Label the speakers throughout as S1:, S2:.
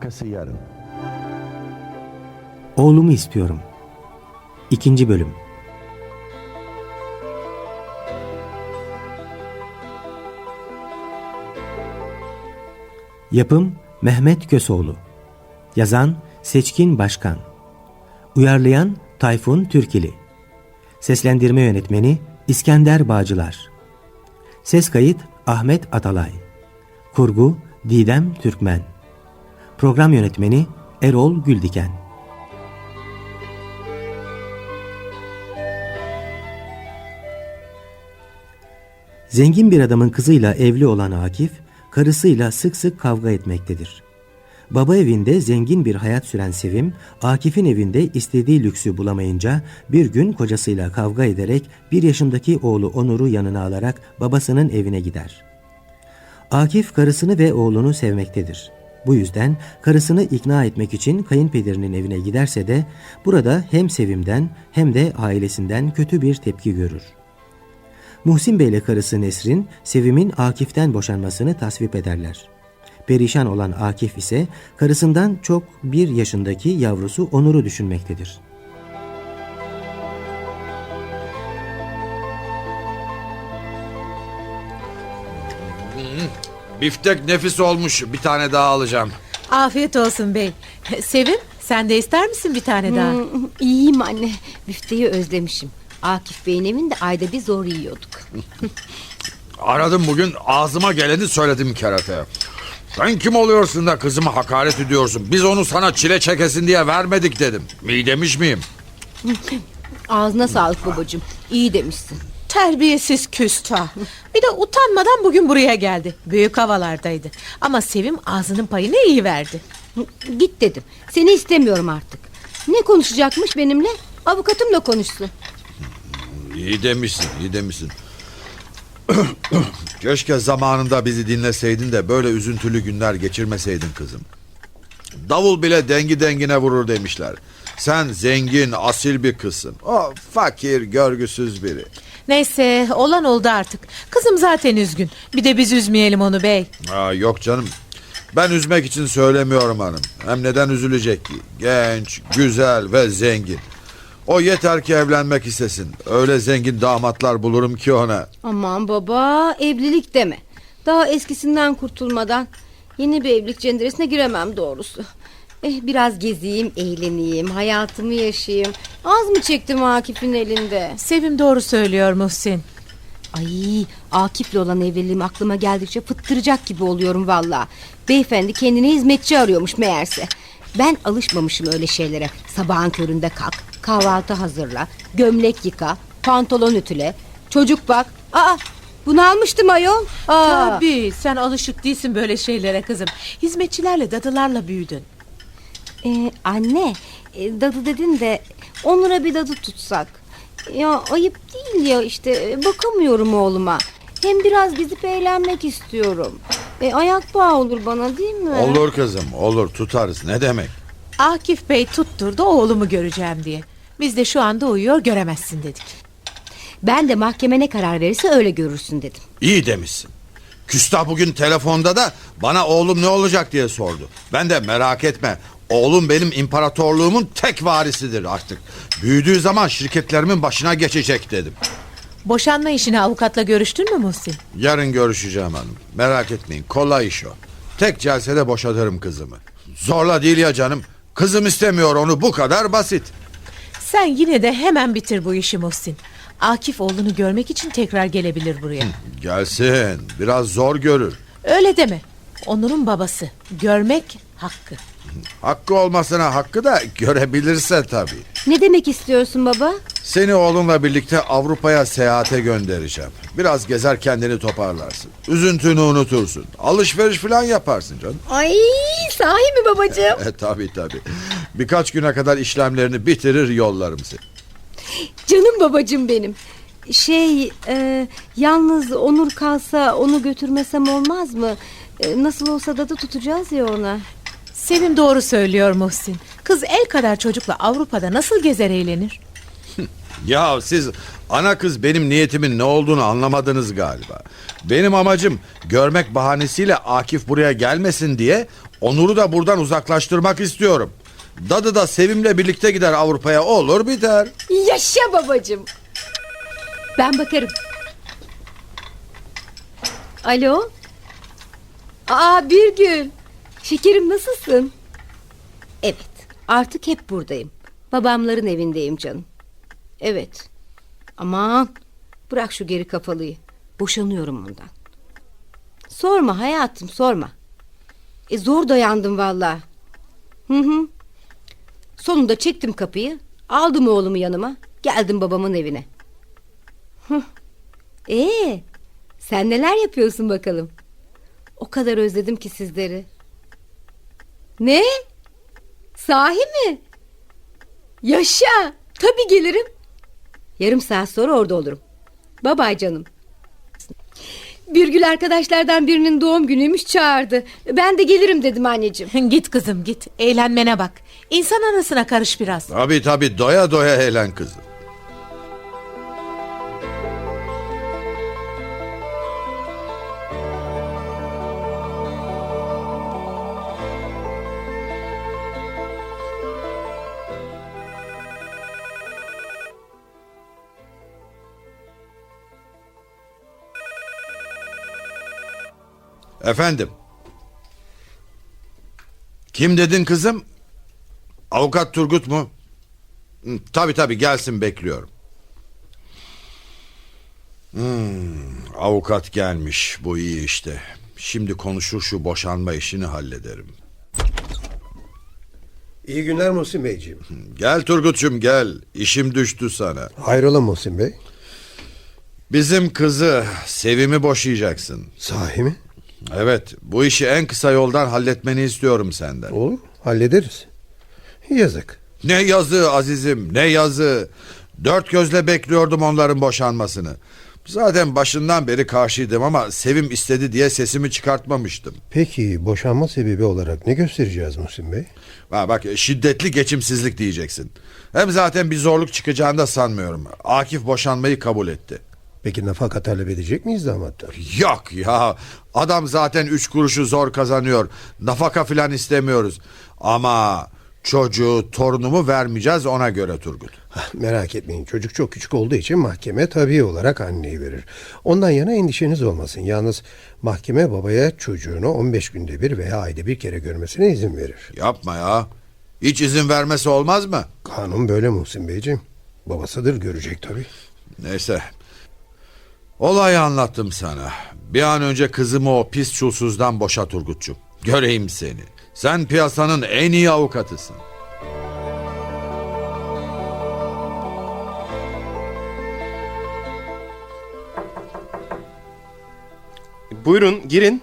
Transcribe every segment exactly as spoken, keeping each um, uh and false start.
S1: Arkası yarın.
S2: Oğlumu istiyorum. İkinci bölüm. Yapım Mehmet Kösoğlu. Yazan Seçkin Başkan. Uyarlayan Tayfun Türkili. Seslendirme yönetmeni İskender Bağcılar. Ses kayıt Ahmet Atalay. Kurgu Didem Türkmen. Program yönetmeni Erol Güldiken. Zengin bir adamın kızıyla evli olan Akif, karısıyla sık sık kavga etmektedir. Baba evinde zengin bir hayat süren Sevim, Akif'in evinde istediği lüksü bulamayınca bir gün kocasıyla kavga ederek bir yaşındaki oğlu Onur'u yanına alarak babasının evine gider. Akif karısını ve oğlunu sevmektedir. Bu yüzden karısını ikna etmek için kayınpederinin evine giderse de burada hem Sevim'den hem de ailesinden kötü bir tepki görür. Muhsin Bey ile karısı Nesrin, Sevim'in Akif'ten boşanmasını tasvip ederler. Perişan olan Akif ise karısından çok bir yaşındaki yavrusu Onur'u düşünmektedir.
S3: Biftek nefis olmuş. Bir tane daha alacağım.
S4: Afiyet olsun bey. Sevim, sen de ister misin bir tane daha?
S5: Hmm, iyiyim anne. Büfteyi özlemişim. Akif Bey'in evinde ayda bir zor yiyorduk.
S3: Aradım bugün, ağzıma geleni söyledim kerataya. Sen kim oluyorsun da kızıma hakaret ediyorsun? Biz onu sana çile çekesin diye vermedik dedim. İyi demiş miyim?
S5: Ağzına sağlık babacığım. İyi demişsin.
S4: Terbiyesiz küstah. Bir de utanmadan bugün buraya geldi. Büyük havalardaydı. Ama Sevim ağzının payını iyi verdi.
S5: Git dedim. Seni istemiyorum artık. Ne konuşacakmış benimle? Avukatımla konuşsun.
S3: İyi demişsin, iyi demişsin. Keşke zamanında bizi dinleseydin de böyle üzüntülü günler geçirmeseydin kızım. Davul bile dengi dengine vurur demişler. Sen zengin, asil bir kızsın. O fakir, görgüsüz biri.
S4: Neyse, olan oldu artık. Kızım zaten üzgün. Bir de biz üzmeyelim onu bey.
S3: Aa, yok canım. Ben üzmek için söylemiyorum hanım. Hem neden üzülecek ki? Genç, güzel ve zengin. O yeter ki evlenmek istesin. Öyle zengin damatlar bulurum ki ona.
S5: Aman baba, evlilik deme. Daha eskisinden kurtulmadan yeni bir evlilik cenderesine giremem doğrusu. Eh, biraz gezeyim, eğleneyim, hayatımı yaşayayım. Az mı çektim Akif'in elinde?
S4: Sevim doğru söylüyor Muhsin.
S5: Ay, Akif'le olan evliliğim aklıma geldikçe fıttıracak gibi oluyorum valla. Beyefendi kendine hizmetçi arıyormuş meğerse. Ben alışmamışım öyle şeylere. Sabahın köründe kalk, kahvaltı hazırla, gömlek yıka, pantolon ütüle, çocuk bak. Aa, bunu almıştım ayol. Aa.
S4: Tabii, sen alışık değilsin böyle şeylere kızım. Hizmetçilerle, dadılarla büyüdün.
S5: Ee, anne, e, dadı dedin de Onur'a bir dadı tutsak. Ya ayıp değil ya, işte bakamıyorum oğluma. Hem biraz gidip eğlenmek istiyorum. E, ayak bağı olur bana, değil mi?
S3: Olur kızım, olur, tutarız. Ne demek?
S4: Akif Bey tutturdu oğlumu göreceğim diye. Biz de şu anda uyuyor, göremezsin dedik.
S5: Ben de mahkeme ne karar verirse öyle görürsün dedim.
S3: İyi demişsin. Küstah bugün telefonda da bana oğlum ne olacak diye sordu. Ben de merak etme, oğlum benim imparatorluğumun tek varisidir artık. Büyüdüğü zaman şirketlerimin başına geçecek dedim.
S4: Boşanma işini avukatla görüştün mü Muhsin?
S3: Yarın görüşeceğim hanım. Merak etmeyin, kolay iş o. Tek celsede boşatırım kızımı. Zorla değil ya canım. Kızım istemiyor onu, bu kadar basit.
S4: Sen yine de hemen bitir bu işi Muhsin. Akif oğlunu görmek için tekrar gelebilir buraya.
S3: Gelsin, biraz zor görür.
S4: Öyle deme. Onur'un babası. Görmek hakkı.
S3: Hakkı olmasına hakkı da görebilirse tabii.
S5: Ne demek istiyorsun baba?
S3: Seni oğlunla birlikte Avrupa'ya seyahate göndereceğim. Biraz gezer, kendini toparlarsın. Üzüntünü unutursun. Alışveriş falan yaparsın canım.
S5: Ay, sahi mi babacığım?
S3: E tabii tabii. Birkaç güne kadar işlemlerini bitirir yollarım seni.
S5: Canım babacığım benim. Şey, e, yalnız Onur kalsa onu götürmesem olmaz mı? E, nasıl olsa dadı tutacağız ya ona.
S4: Sevim doğru söylüyor Muhsin. Kız el kadar çocukla Avrupa'da nasıl gezer eğlenir?
S3: Ya siz ana kız benim niyetimin ne olduğunu anlamadınız galiba. Benim amacım görmek bahanesiyle Akif buraya gelmesin diye Onur'u da buradan uzaklaştırmak istiyorum. Dadı da Sevim'le birlikte gider Avrupa'ya, olur biter.
S5: Yaşa babacığım. Ben bakarım. Alo. Aa Birgül. Şekerim nasılsın? Evet, artık hep buradayım. Babamların evindeyim canım. Evet. Aman bırak şu geri kafalıyı. Boşanıyorum ondan. Sorma hayatım, sorma. E zor dayandım vallahi. Hı hı. Sonunda çektim kapıyı. Aldım oğlumu yanıma. Geldim babamın evine. Hıh. Ee, sen neler yapıyorsun bakalım? O kadar özledim ki sizleri. Ne? Sahi mi? Yaşa. Tabii gelirim. Yarım saat sonra orada olurum. Bye bye canım. Birgül arkadaşlardan birinin doğum günüymüş, çağırdı. Ben de gelirim dedim anneciğim.
S4: Git kızım git. Eğlenmene bak. İnsan arasına karış biraz.
S3: Tabii tabii, doya doya eğlen kızım. Efendim. Kim dedin kızım? Avukat Turgut mu? Hı, tabii tabii, gelsin, bekliyorum. Hmm, avukat gelmiş, bu iyi işte. Şimdi konuşur şu boşanma işini hallederim.
S1: İyi günler Muhsin Beyciğim.
S3: Gel Turgut'cum gel, işim düştü sana.
S1: Hayrola Muhsin Bey?
S3: Bizim kızı Sevim'i boşayacaksın.
S1: Sahi mi?
S3: Evet, bu işi en kısa yoldan halletmeni istiyorum senden.
S1: Olur, hallederiz. Yazık.
S3: Ne yazı azizim, ne yazı. Dört gözle bekliyordum onların boşanmasını. Zaten başından beri karşıydım ama Sevim istedi diye sesimi çıkartmamıştım.
S1: Peki boşanma sebebi olarak ne göstereceğiz Muhsin Bey?
S3: Ha bak, şiddetli geçimsizlik diyeceksin. Hem zaten bir zorluk çıkacağını da sanmıyorum. Akif boşanmayı kabul etti.
S1: Peki nafaka talep edecek miyiz damattan?
S3: Yok ya, adam zaten üç kuruşu zor kazanıyor. Nafaka filan istemiyoruz. Ama çocuğu, torunumu vermeyeceğiz ona göre Turgut.
S1: Hah, merak etmeyin, çocuk çok küçük olduğu için mahkeme tabii olarak anneyi verir. Ondan yana endişeniz olmasın. Yalnız mahkeme babaya çocuğunu on beş günde bir veya ayda bir kere görmesine izin verir.
S3: Yapma ya. Hiç izin vermesi olmaz mı?
S1: Kanun böyle Muhsin Beyciğim. Babasıdır, görecek tabii.
S3: Neyse. Olayı anlattım sana. Bir an önce kızımı o pis çulsuzdan boşa Turgut'cum. Göreyim seni. Sen piyasanın en iyi avukatısın.
S6: Buyurun girin.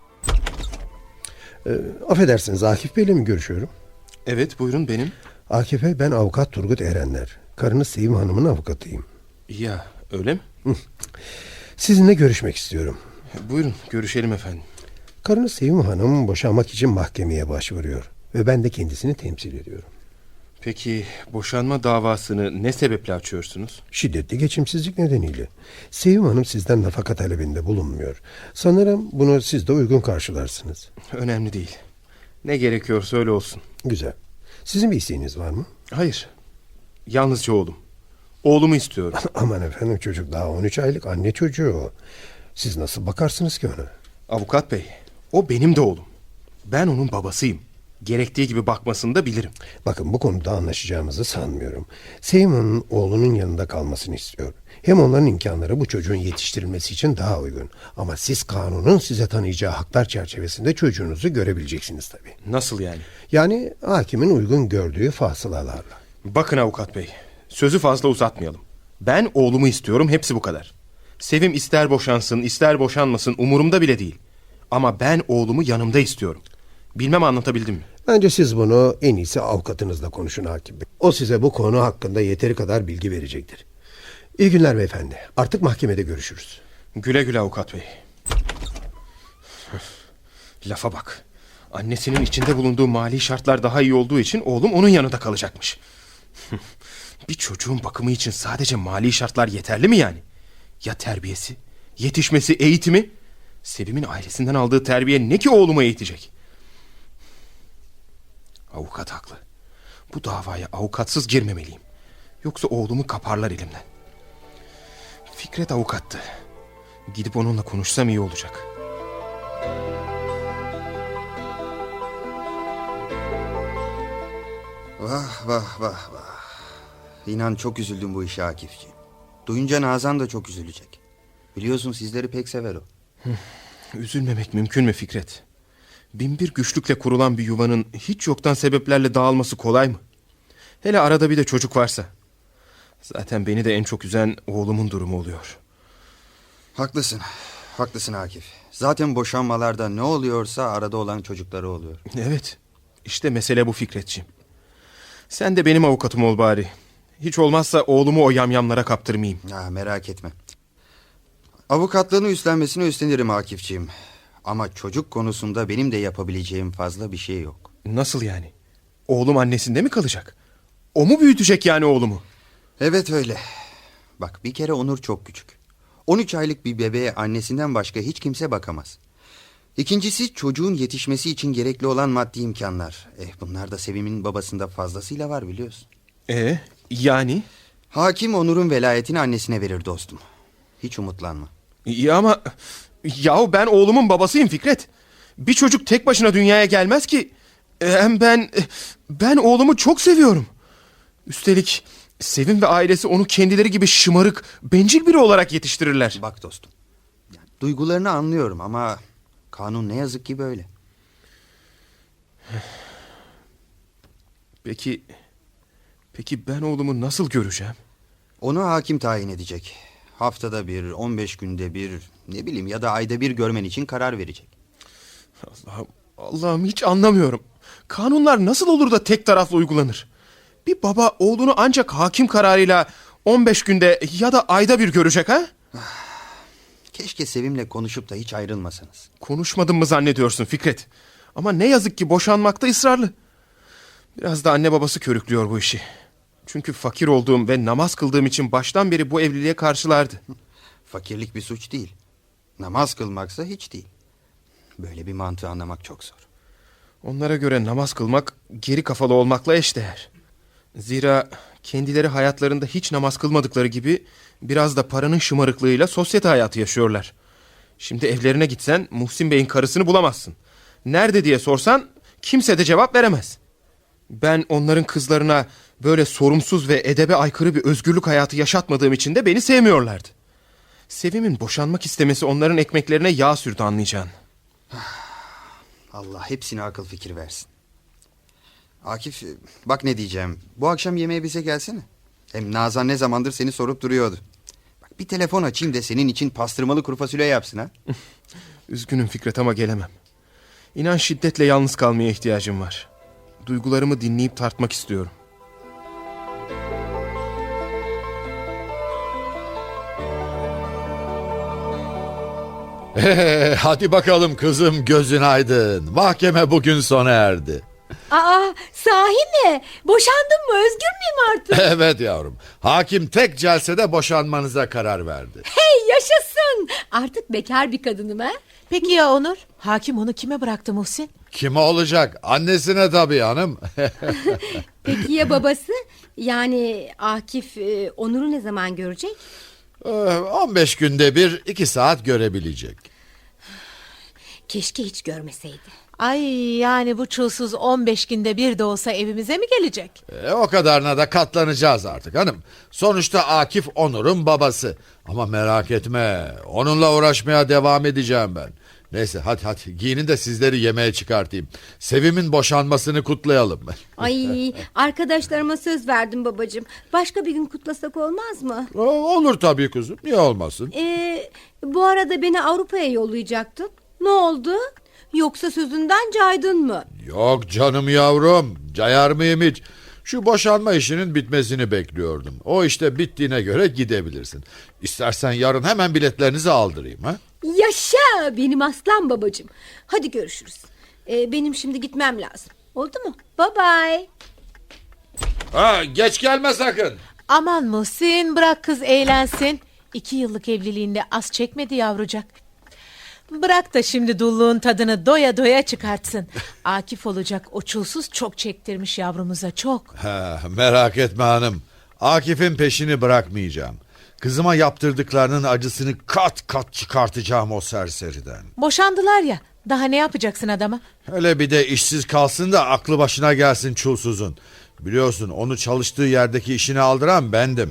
S1: Ee, affedersiniz, Akif Bey'le mi görüşüyorum?
S6: Evet buyurun benim.
S1: Akif Bey, ben avukat Turgut Erenler. Karınız Sevim Hanım'ın avukatıyım.
S6: Ya öyle mi?
S1: Sizinle görüşmek istiyorum.
S6: Buyurun görüşelim efendim.
S1: Karınız Sevim Hanım boşanmak için mahkemeye başvuruyor. Ve ben de kendisini temsil ediyorum.
S6: Peki boşanma davasını ne sebeple açıyorsunuz?
S1: Şiddetli geçimsizlik nedeniyle. Sevim Hanım sizden nafaka talebinde bulunmuyor. Sanırım bunu siz de uygun karşılarsınız.
S6: Önemli değil. Ne gerekiyorsa öyle olsun.
S1: Güzel. Sizin bir isteğiniz var mı?
S6: Hayır. Yalnızca oğlum. Oğlumu istiyorum.
S1: Aman efendim, çocuk daha on üç aylık, anne çocuğu o. Siz nasıl bakarsınız ki ona?
S6: Avukat bey, o benim de oğlum. Ben onun babasıyım. Gerektiği gibi bakmasını da bilirim.
S1: Bakın, bu konuda anlaşacağımızı sanmıyorum. Sevim Hanım'ın oğlunun yanında kalmasını istiyor. Hem onların imkanları bu çocuğun yetiştirilmesi için daha uygun. Ama siz kanunun size tanıyacağı haklar çerçevesinde çocuğunuzu görebileceksiniz tabii.
S6: Nasıl yani?
S1: Yani hakimin uygun gördüğü fasılalarla.
S6: Bakın avukat bey, sözü fazla uzatmayalım. Ben oğlumu istiyorum, hepsi bu kadar. Sevim ister boşansın, ister boşanmasın umurumda bile değil. Ama ben oğlumu yanımda istiyorum. Bilmem anlatabildim mi?
S1: Bence siz bunu en iyisi avukatınızla konuşun hakim bey. O size bu konu hakkında yeteri kadar bilgi verecektir. İyi günler beyefendi. Artık mahkemede görüşürüz.
S6: Güle güle avukat bey. Lafa bak. Annesinin içinde bulunduğu mali şartlar daha iyi olduğu için oğlum onun yanında kalacakmış. Bir çocuğun bakımı için sadece mali şartlar yeterli mi yani? Ya terbiyesi, yetişmesi, eğitimi? Sevim'in ailesinden aldığı terbiye ne ki oğluma eğitecek? Avukat haklı. Bu davaya avukatsız girmemeliyim. Yoksa oğlumu kaparlar elimden. Fikret avukattı. Gidip onunla konuşsam iyi olacak.
S7: Vah vah vah vah. İnan çok üzüldüm bu işe Akifciğim. Duyunca Nazan da çok üzülecek. Biliyorsun sizleri pek sever o.
S6: Üzülmemek mümkün mü Fikret? Binbir güçlükle kurulan bir yuvanın hiç yoktan sebeplerle dağılması kolay mı? Hele arada bir de çocuk varsa. Zaten beni de en çok üzen oğlumun durumu oluyor.
S7: Haklısın. Haklısın Akif. Zaten boşanmalarda ne oluyorsa arada olan çocukları oluyor.
S6: Evet. İşte mesele bu Fikretciğim. Sen de benim avukatım ol bari. Hiç olmazsa oğlumu o yamyamlara kaptırmayayım.
S7: Ha, merak etme. Avukatlığını üstlenmesini üstlenirim Akifciğim. Ama çocuk konusunda benim de yapabileceğim fazla bir şey yok.
S6: Nasıl yani? Oğlum annesinde mi kalacak? O mu büyütecek yani oğlumu?
S7: Evet öyle. Bak bir kere Onur çok küçük. on üç aylık bir bebeğe annesinden başka hiç kimse bakamaz. İkincisi çocuğun yetişmesi için gerekli olan maddi imkanlar. Eh, bunlar da Sevim'in babasında fazlasıyla var biliyorsun.
S6: E yani?
S7: Hakim Onur'un velayetini annesine verir dostum. Hiç umutlanma.
S6: İyi ama... Yahu ben oğlumun babasıyım Fikret. Bir çocuk tek başına dünyaya gelmez ki. Hem ben... Ben oğlumu çok seviyorum. Üstelik Sevim ve ailesi onu kendileri gibi şımarık, bencil biri olarak yetiştirirler.
S7: Bak dostum. Yani duygularını anlıyorum ama... Kanun ne yazık ki böyle.
S6: Peki... Peki ben oğlumu nasıl göreceğim?
S7: Onu hakim tayin edecek. Haftada bir, on beş günde bir, ne bileyim ya da ayda bir görmen için karar verecek.
S6: Allah'ım, Allah'ım hiç anlamıyorum. Kanunlar nasıl olur da tek taraflı uygulanır? Bir baba oğlunu ancak hakim kararıyla on beş günde ya da ayda bir görecek ha?
S7: Keşke Sevim'le konuşup da hiç ayrılmasanız.
S6: Konuşmadın mı zannediyorsun Fikret? Ama ne yazık ki boşanmakta ısrarlı. Biraz da anne babası körüklüyor bu işi. Çünkü fakir olduğum ve namaz kıldığım için baştan beri bu evliliğe karşılardı.
S7: Fakirlik bir suç değil. Namaz kılmaksa hiç değil. Böyle bir mantığı anlamak çok zor.
S6: Onlara göre namaz kılmak geri kafalı olmakla eşdeğer. Zira kendileri hayatlarında hiç namaz kılmadıkları gibi biraz da paranın şımarıklığıyla sosyete hayatı yaşıyorlar. Şimdi evlerine gitsen Muhsin Bey'in karısını bulamazsın. Nerede diye sorsan kimse de cevap veremez. Ben onların kızlarına böyle sorumsuz ve edebe aykırı bir özgürlük hayatı yaşatmadığım için de beni sevmiyorlardı. Sevim'in boşanmak istemesi onların ekmeklerine yağ sürdü anlayacağın.
S7: Allah hepsine akıl fikir versin. Akif bak ne diyeceğim. Bu akşam yemeğe bize gelsene. Hem Nazan ne zamandır seni sorup duruyordu. Bak bir telefon açayım da senin için pastırmalı kuru fasulye yapsın ha.
S6: Üzgünüm Fikret ama gelemem. İnan şiddetle yalnız kalmaya ihtiyacım var. Duygularımı dinleyip tartmak istiyorum.
S8: Ee, hadi bakalım kızım gözün aydın. Mahkeme bugün sona erdi.
S5: Aa, sahi mi? Boşandın mı? Özgür müyüm artık?
S8: Evet yavrum. Hakim tek celsede boşanmanıza karar verdi.
S5: Hey yaşasın. Artık bekar bir kadınım ha.
S4: Peki ya Onur? Hakim onu kime bıraktı Muhsin?
S8: Kime olacak? Annesine tabii hanım.
S5: Peki ya babası? Yani Akif e, Onur'u ne zaman görecek?
S8: Ee, on beş günde bir iki saat görebilecek.
S5: Keşke hiç görmeseydi.
S4: Ay yani bu çulsuz on beş günde bir de olsa evimize mi gelecek?
S8: Ee, o kadarına da katlanacağız artık hanım. Sonuçta Akif Onur'un babası. Ama merak etme, onunla uğraşmaya devam edeceğim ben. Neyse hadi hadi giyinin de sizleri yemeğe çıkartayım. Sevim'in boşanmasını kutlayalım.
S5: Ay arkadaşlarıma söz verdim babacığım. Başka bir gün kutlasak olmaz mı?
S8: Olur tabii kızım, niye olmasın?
S5: Ee, bu arada beni Avrupa'ya yollayacaktın. Ne oldu? Yoksa sözünden caydın mı?
S8: Yok canım yavrum, cayar mıyım hiç? Şu boşanma işinin bitmesini bekliyordum. O işte bittiğine göre gidebilirsin. İstersen yarın hemen biletlerinizi aldırayım ha?
S5: Yaşa benim aslan babacığım. Hadi görüşürüz. Ee, benim şimdi gitmem lazım. Oldu mu? Bye bye.
S8: Ha, geç gelme sakın.
S4: Aman Muhsin, bırak kız eğlensin. İki yıllık evliliğinde az çekmedi yavrucak. Bırak da şimdi dulluğun tadını doya doya çıkartsın. Akif olacak o çulsuz çok çektirmiş yavrumuza, çok.
S8: Ha, merak etme hanım. Akif'in peşini bırakmayacağım. Kızıma yaptırdıklarının acısını kat kat çıkartacağım o serseriden.
S4: Boşandılar ya, daha ne yapacaksın adama?
S8: Öyle bir de işsiz kalsın da aklı başına gelsin çulsuzun. Biliyorsun onu çalıştığı yerdeki işini aldıran bendim.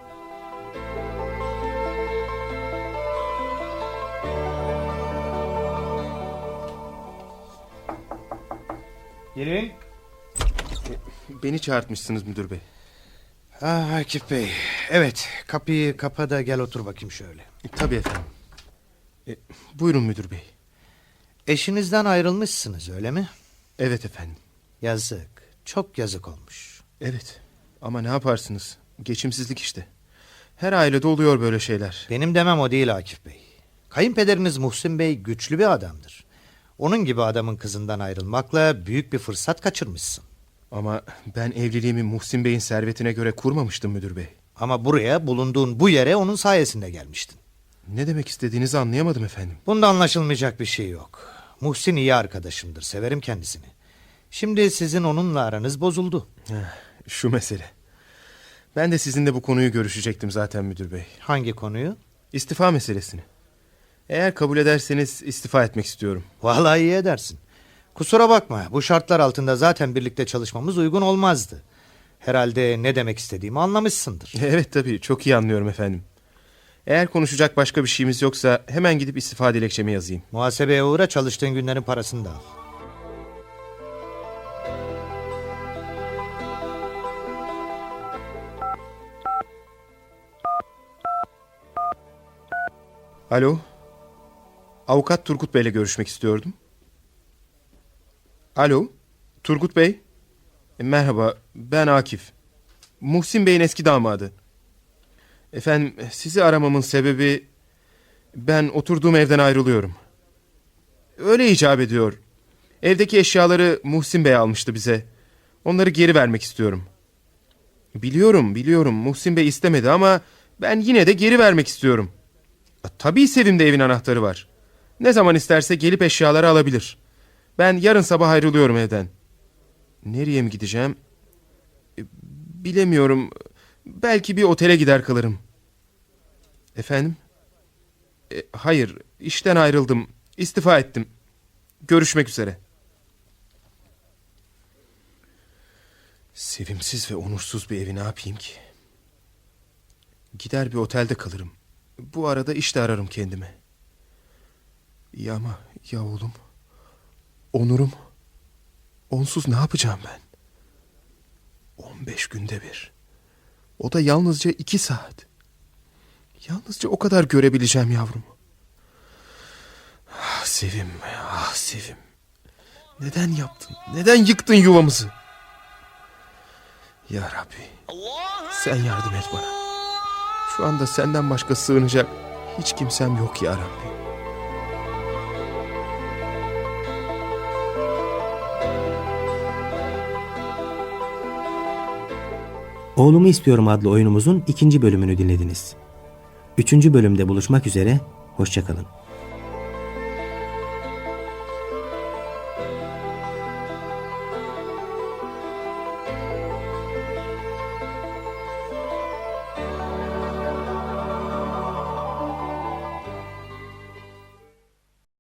S1: Gelin.
S6: Beni çağırtmışsınız müdür bey.
S1: Ah Akif Bey. Evet, kapıyı kapa da gel otur bakayım şöyle.
S6: E, tabii efendim. E, buyurun müdür bey.
S1: Eşinizden ayrılmışsınız öyle mi?
S6: Evet efendim.
S1: Yazık. Çok yazık olmuş.
S6: Evet. Ama ne yaparsınız? Geçimsizlik işte. Her ailede oluyor böyle şeyler.
S9: Benim demem o değil Akif Bey. Kayınpederiniz Muhsin Bey güçlü bir adamdır. Onun gibi adamın kızından ayrılmakla büyük bir fırsat kaçırmışsın.
S6: Ama ben evliliğimi Muhsin Bey'in servetine göre kurmamıştım müdür bey.
S9: Ama buraya, bulunduğun bu yere onun sayesinde gelmiştin.
S6: Ne demek istediğinizi anlayamadım efendim.
S9: Bunda anlaşılmayacak bir şey yok. Muhsin iyi arkadaşımdır, severim kendisini. Şimdi sizin onunla aranız bozuldu.
S6: Heh, şu mesele. Ben de sizinle bu konuyu görüşecektim zaten müdür bey.
S9: Hangi konuyu?
S6: İstifa meselesini. Eğer kabul ederseniz istifa etmek istiyorum.
S9: Vallahi iyi edersin. Kusura bakma, bu şartlar altında zaten birlikte çalışmamız uygun olmazdı. Herhalde ne demek istediğimi anlamışsındır.
S6: Evet tabii, çok iyi anlıyorum efendim. Eğer konuşacak başka bir şeyimiz yoksa hemen gidip istifa dilekçemi yazayım.
S9: Muhasebeye uğra, çalıştığın günlerin parasını da al.
S6: Alo. Avukat Turgut Bey'le görüşmek istiyordum. Alo. Turgut Bey. E, merhaba, ben Akif. Muhsin Bey'in eski damadı. Efendim, sizi aramamın sebebi... Ben oturduğum evden ayrılıyorum. Öyle icap ediyor. Evdeki eşyaları Muhsin Bey almıştı bize. Onları geri vermek istiyorum. Biliyorum, biliyorum. Muhsin Bey istemedi ama ben yine de geri vermek istiyorum. Tabii Sevim'de evin anahtarı var. Ne zaman isterse gelip eşyaları alabilir. Ben yarın sabah ayrılıyorum evden. Nereye mi gideceğim? Bilemiyorum. Belki bir otele gider kalırım. Efendim? E, hayır, işten ayrıldım. İstifa ettim. Görüşmek üzere. Sevimsiz ve onursuz bir evi ne yapayım ki? Gider bir otelde kalırım. Bu arada iş de ararım kendime. Ya ama ya oğlum? Onurum? Onsuz ne yapacağım ben? On beş günde bir. O da yalnızca iki saat. Yalnızca o kadar görebileceğim yavrumu. Ah Sevim, ah Sevim. Neden yaptın? Neden yıktın yuvamızı? Ya Rabbi, sen yardım et bana. Şu anda senden başka sığınacak hiç kimsem yok ya Rabbi.
S2: Oğlumu İstiyorum adlı oyunumuzun ikinci bölümünü dinlediniz. Üçüncü bölümde buluşmak üzere, hoşça kalın.